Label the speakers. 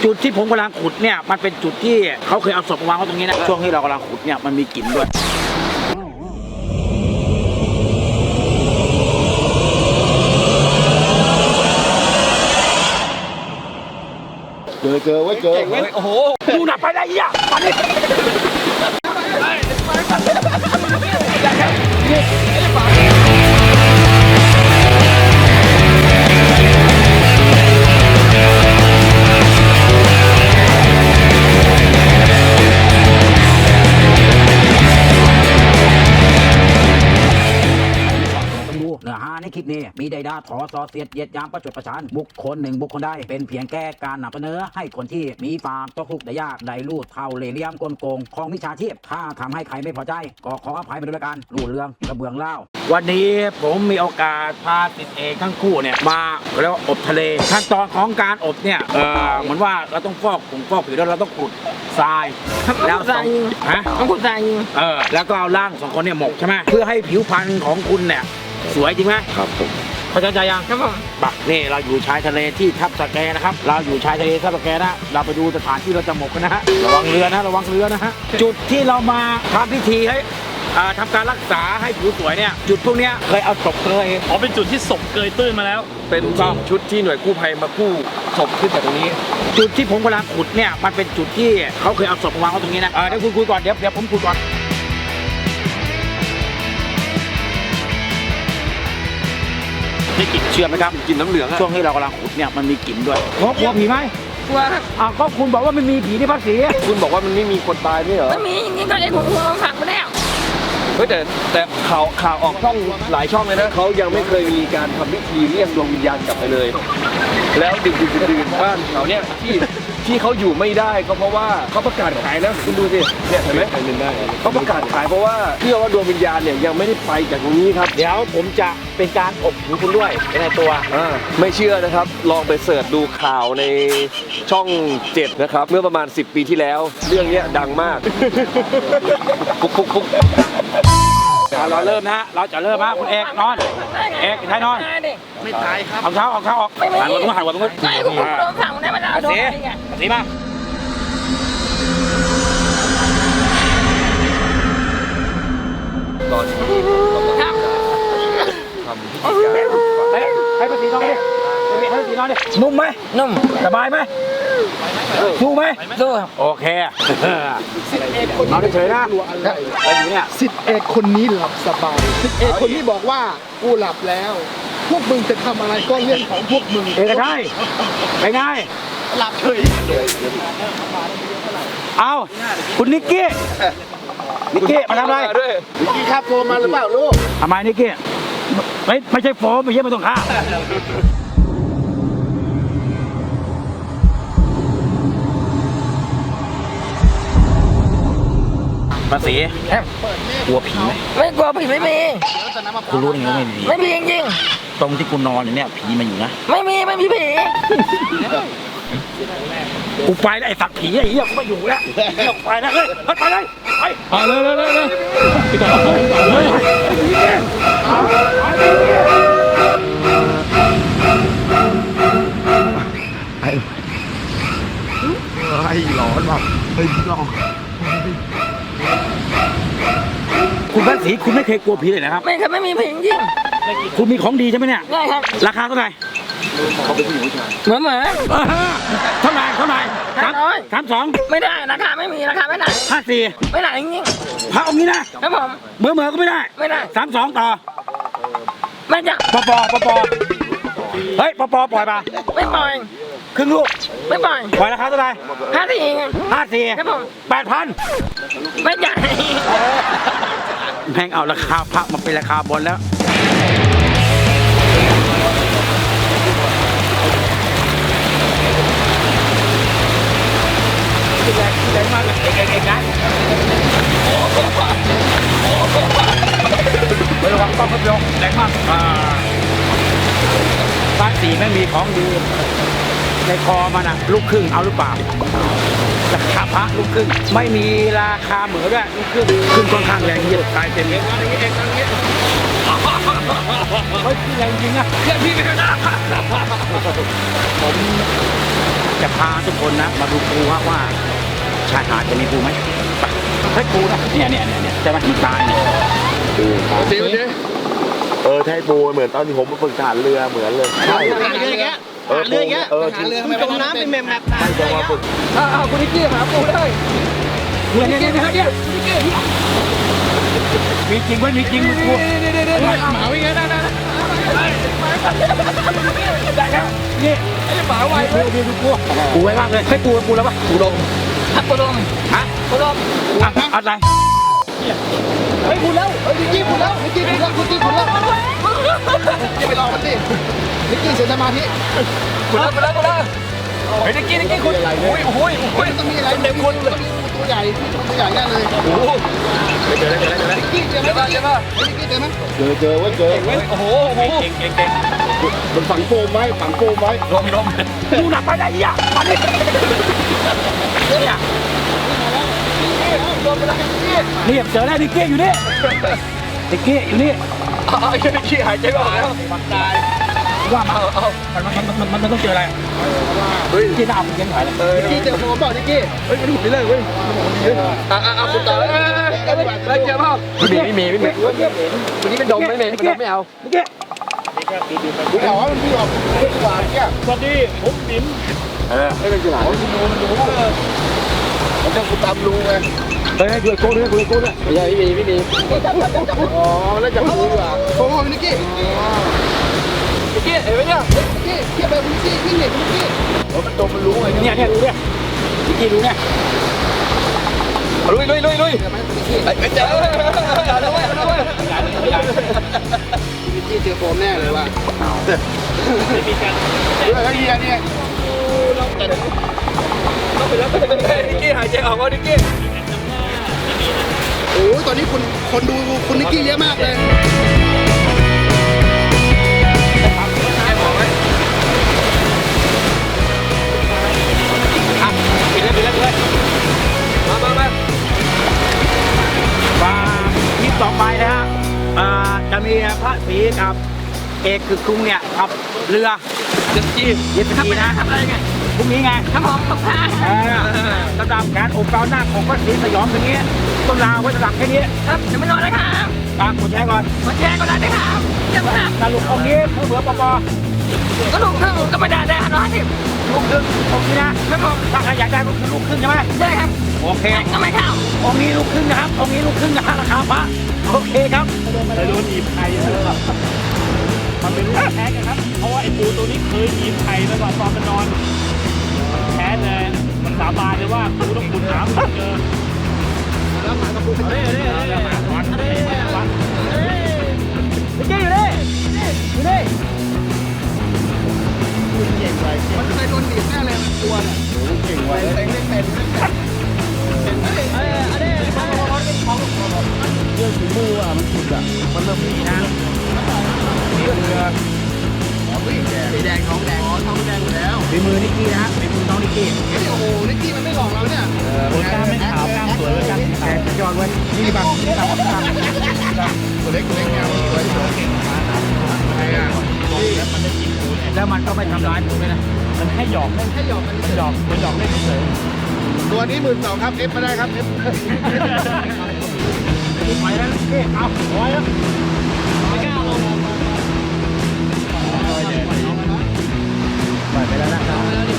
Speaker 1: จุดที่ผมกำลังขุดเนี่ยมันเป็นจุดที่เขาเคยเอาศพมาวางไว้ตรงนี้นะช่วงที่เรากำลังขุดเนี่ยมันมีกลิ่นด้วย
Speaker 2: เจอไว้เจอ
Speaker 1: โอ้โหดูหนักไปได้ยังมาดิเนื้อหาในคลิปนี้มีใดดาถอซอเสียดเหยียดยามประจดประชานบุคคลหนึ่งบุคคลใดเป็นเพียงแค่การนำเสนอให้คนที่มีฟาร์มตกทุกข์ได้ยากได้ลูดเท่าเล่ห์เหลี่ยมกลโกงของมิจฉาชีพถ้าทำให้ใครไม่พอใจก็ขออภัยมาด้วยกันรูดเรื่องกระเบื้องเล่าวันนี้ผมมีโอกาสพาติดเอกทั้งคู่เนี่ยมาแล้วอบทะเลขั้นตอนของการอบเนี่ยเหมือนว่าเราต้องฟอกผิวแล้วเราต้องขุดทรายแล้วต้องขุดทรายแล้วก็เอาร่างสองคนเนี่ยหมกใช่ไหมเพื่อให้ผิวพรรณของคุณเนี่ยสวยจริงไหมครับผมเข้าใจยังครับผมบักนี่เราอยู่ชายทะเลที่ทับสแกนะครับเราอยู่ชายทะเลทับสแกนะเราไปดูสถานที่เราจะหมกกันนะฮะระวังเรือนะฮะจุดที่เรามาทำพิธีให้ทำการรักษาให้ผิวสวยเนี่ยจุดพวกเนี้ยเคยเอาศพเกย
Speaker 3: เป็นจุดที่ศพเกยตื้นมาแล้ว
Speaker 4: เป็นชุดที่หน่วยกู้ภัยมากู้ศพขึ้นจากตรงนี้
Speaker 1: จุดที่ผมกำลังขุดเนี่ยมันเป็นจุดที่เขาเคยเอาศพมาวางไว้ตรงนี้นะเดี๋ยวคุณคุยก่อนเดี๋ยวผมคุยก่อนได้กลิ่นเชื่อไหมครับ
Speaker 4: กลิ่นน้ำเหลือง
Speaker 1: ช่วงที่เรากำลังขุดเนี่ยมันมีกลิ่นด้วยกลัวผีไหม
Speaker 5: กลัวครับ
Speaker 1: ก็คุณบอกว่าไม่มีผีที่ภาคศรี
Speaker 4: คุณบอกว่ามันไม่มีคนตายไม่เหรอ
Speaker 5: ไม่มีอย่างนี้ก็เลยผมฝังไปแล้ว
Speaker 4: เฮ้ยแต่ข่าวออกช่องหลายช่องเลยนะเขายังไม่เคยมีการทำพิธีเรียกดวงวิญญาณกลับไปเลยแล้วดึกบ้านเขาเนี่ยที่เขาอยู่ไม่ได้ก็เพราะว่าเขาประกาศขายนะคุณดูสิเนี่ยเห็นไหมเขาประกาศขายเพราะว่าเชื่อว่าดวงวิญญาณเนี่ยยังไม่ได้ไปจากตรงนี้ครับ
Speaker 1: เดี๋ยวผมจะเป็นการอบผิวคุณด้วยในตัว
Speaker 4: ไม่เชื่อนะครับลองไปเสิร์ชดูข่าวในช่อง7นะครับเมื่อประมาณ10 ปีที่แล้วเรื่องนี้ดังมาก
Speaker 1: คุกเราเริ่มนะฮะเราจะเริ่มฮะคุณเอกนอนเอกใช้นอน
Speaker 5: ไม่ตายครับ
Speaker 1: เอาเท้าออกหันหัวตรงนู้น
Speaker 5: ไม่ผมโดนฝังได้มาแล้ว
Speaker 1: สีมา
Speaker 4: ตอนที่ทำพิธีการ
Speaker 1: ให้ภาษีนอนดิให้ภาษีนอนดินุ่มไหม
Speaker 5: นุ่ม
Speaker 1: สบายไหมสู้ไหม
Speaker 5: สู้ครับ
Speaker 1: โอเคนอนเฉยๆนะอะไรอยู่เนี่ย
Speaker 2: 10 เอกคนนี้หลับสบาย10 เอกคนนี้บอกว่ากูหลับแล้วพวกมึงจะทำอะไรก็เรื่องของพวกมึง
Speaker 1: เอกใช่ไปไง
Speaker 2: หลับเฉย
Speaker 1: เอาคุณนิกกี้มาทำอะไร
Speaker 2: นิกกี้ครับโทรมาหรือเปล่าลูก
Speaker 1: ทำไมนิกกี้ไม่ใช่โฟมไม่ใช่ไม่ต้องฆ่าภาษีกลัวผีไหม
Speaker 5: ไม่กลัวผีไม่มี
Speaker 1: คุณรู้ยังไง
Speaker 5: ไม่มีจริง
Speaker 1: ตรงที่คุณนอนอยู่เนี่ยผีมันอยู่นะ
Speaker 5: ไม่มีผี
Speaker 1: กูไปแล้วไอ้สักผีไอ้เหี้ยกูไม่อยู่แล้วไปแล้วเฮ้ยไปเลยไปเลยพี่ต่อ
Speaker 2: ไอ้หลอนว่ะเฮ้ยหลอน
Speaker 1: คุณภาษีคุณไม่เคยกลัวผีเลยนะครับ
Speaker 5: ไม่ครับไม่มีผีจริง
Speaker 1: คุณมีของดีใช่ไหมเนี่ย
Speaker 5: ใช่ครับ
Speaker 1: ราคาเท่าไหร่
Speaker 4: เขาเป็นผู้หญิงผู้ชาย
Speaker 5: เหมือน
Speaker 1: เท่าไหร่32
Speaker 5: ไม่ได้ราคาไม่มีราคาไม่ได้
Speaker 1: 54
Speaker 5: ไม่ได้จริง
Speaker 1: พระองค์นี้นะครับ
Speaker 5: ผม
Speaker 1: เหมือก็ไม่ได้32ต่อ
Speaker 5: ไม่จ้ะ
Speaker 1: ปเฮ้ยปปปล่อยป่ะ
Speaker 5: ไม่ปล่อย
Speaker 1: ครึ่งลูก
Speaker 5: ไม่ปล่อย
Speaker 1: ราคาเท่าไหร่54
Speaker 5: ครับผม
Speaker 1: 8,000
Speaker 5: ไม่จ่าย
Speaker 1: แม่งเอาราคาพระมาเป็นราคาบนแล้วแรงมากเก่งนะไม่ระวังต้องครับโยมแรงมากบ้านสีไม่มีของดีในคอมันอะลูกครึ่งเอาหรือเปล่าราคาพระลูกครึ่งไม่มีราคาเหมือนด้วยลูกครึ่งค่อนข้างแรงเยอะตายเต็มเลยเฮ้ยพี่แรงจริงอะ
Speaker 4: เพื่อนพี่ไม่ได้
Speaker 1: ผมจะพาทุกคนนะมาดูปูว่าชายหาดจะมีปูไหมไปเฮ้ยปูนะเนี่ยใช่ไหมมันตายเนี่ย
Speaker 2: โอเค
Speaker 6: ไทยปูเหมือนตอนที่ผมมาฝึกทหารเรือเหมือนเลยใช่
Speaker 2: หาเรือแก
Speaker 6: เรือแกทหารเรือทำไมจมน้ำเป็นแมมตายจะมาฝึก
Speaker 4: คุณนิกกี้หาปูได้
Speaker 1: เนี่ยมีจริงไหมมีจริงมึงปู
Speaker 2: หมาวิ่งไงได้
Speaker 1: ได้แล้วนี่
Speaker 4: ไอ้หมาไว
Speaker 1: ดูปูไว้มากเลยให้ปูแล้วปะปูลง
Speaker 5: ครับปูดม
Speaker 1: ฮะ
Speaker 5: ปูดม
Speaker 1: อะไร
Speaker 2: เฮ้ยพูดแล้วเฮ้ยนิกกี้พูดแล้วนิกกี้พูดแล้วนิกกี้พูดแล้วอย่าไปรอมันสินิกกี้เสียสมาธิ
Speaker 4: คุณแล้วเฮ้ยนิกกี้คุณโอ้ย
Speaker 2: มันต้องมีอะไรเต็มคนเลยตัวใหญ่ตัวใหญ่แน่เลย
Speaker 4: โอ้โห
Speaker 2: นิกกี้เจอไหมนิกกี้เจอไหม
Speaker 6: เจอเว้ย
Speaker 4: โอ้โห
Speaker 1: เก่ง
Speaker 6: มันฝังโฟมไว้
Speaker 4: ลม
Speaker 1: ดูหนักไปได้ยังมาดิเนี่ยนี่เจอแล้วนิกกี้อยู่นี่นิกกี้อยู่นี่
Speaker 4: ไอ้นิกกี้หายใจไม่ออกแล้ว
Speaker 1: ว่ามันต้องเจออะไรที่หน้าผมยังหายเลย
Speaker 2: นิกกี้เจอโฟมเปล่านิกกี้
Speaker 4: เฮ้ยไม่ถูกเลยเว้ยคุณต่อแล้วเจอเปล่าไม่มีวันนี้เป็นดมไม่เอา
Speaker 1: นิกกี้
Speaker 2: กูถามว่ามันพี่ออกดีกว่าเนี่ย
Speaker 3: สวัสดีผมติ๋ม
Speaker 6: ไม่เป็นไร
Speaker 2: ผมจะกูตามลุงไง
Speaker 1: เฮ้ยดูโก้ด้วย
Speaker 4: ไม่มี
Speaker 2: อ๋อแล้วจะพูดดีกว่าโอ้นิกกี้
Speaker 4: นิกกี้เห็นไหมเนี่ย
Speaker 2: นิกกี้เทียบไปนิกกี้วิ่งหนีนิกกี้
Speaker 6: มันตัวมันรู้ไง
Speaker 1: เนี่ยดูเนี่ยนิกกี้ดูเนี่ย
Speaker 4: ลุย
Speaker 2: เจอไหมนิกกี้
Speaker 4: เจอ
Speaker 2: นิกกี้เจอโฟมแน่เลยว่ะ
Speaker 3: ไม่มีการ
Speaker 2: ไอ้เหี้ยเนี่ย
Speaker 4: นิกกี้หายใจออกว่านิกกี้
Speaker 2: โอ้ยตอนนี้คนดูคุณนิกกี้เยอะมากเลย
Speaker 1: ปิดเลย
Speaker 4: มา
Speaker 1: ฝากที่ต่อไปนะฮะจะมีพระศรีกับเอกคือกรุงเนี่ยขับเรือเจ็ตสกีนะ
Speaker 5: ทำอะไรไง
Speaker 1: พรุ่งนี้ไง
Speaker 5: ครับผมขอบคุณ
Speaker 1: สำหรับการอบเกาหน้าของพระศรีสยองอย่างนี้ต้นลาไว้สำหรับแค่นี้
Speaker 5: ครับจะไม่นอนแล้วครับ
Speaker 1: ตามกดแชร์ก่อน
Speaker 5: มาแชร์ก็ได้นะครับเยี่ยมครับ
Speaker 1: สรุปองค์นี้เผื่อปอ
Speaker 5: ก็ลูกครึ่งก็ไม่ได้ได้150
Speaker 1: ลูกครึ่งองค์นี้นะครับ
Speaker 5: ผม
Speaker 1: ถ้าใครอยากได้ก็คือลูกครึ่งใช่ไหม
Speaker 5: ได้ครับ
Speaker 1: โอเค
Speaker 5: ก็ไม่เข้า
Speaker 1: องค์นี้ลูกครึ่งนะครับองค์นี้ลูกครึ่งนะราคาพระโอเคครับ
Speaker 3: แต่โดนหนีบไข่นะครับมันเป็นลูกแท้กันครับ เพราะว่าไอ้ปูตัวนี้เคยหนีบไข่มาก่อนตอนมันนอนมันแท้เลยมันสาบานเลยว่าปูต้องขุดน้ำเจอแล้วหมากับปูเป็นหมาก่อน
Speaker 1: นิกกี้อยู่นี่อยู่นี่
Speaker 2: มันเคยโดนบีบแน่เลยมันตัวเนี่ยเก่งไว้เล่นเป็น
Speaker 1: เรื่องฝีมืออ่ะมันสุดอ่ะมันเริ่มมีนะนี่เรือ
Speaker 2: สีแดงท้องแดงท้องแดงอยู่แล้ว
Speaker 1: ฝีมือนิกกี้นะฝีมือน้องนิกกี้
Speaker 2: เฮ้ยโอ้โหนิกกี้มันไม่หลอกเราเนี่ย
Speaker 3: คนกล้ามไม่ขาวกล้ามสวยเลยกล้ามขาว
Speaker 1: ยอดเว้ยนี่บังนี่บัง
Speaker 2: ตัวเล็กแนวสวยใครอ่ะ
Speaker 1: แล้วมันก็ไม่ทำร้ายผมเลยนะ
Speaker 3: มันให้หยอก
Speaker 2: ให้หยอกมัน
Speaker 3: หยอกมันหยอกเล่นเฉย
Speaker 2: ตัวนี้12,000ครับ F มาได้ครับ F
Speaker 1: ไปแล้วนิกกี้เอาไว้แล้ว
Speaker 3: ไม่กล้าลง
Speaker 1: ไปแล้วนะ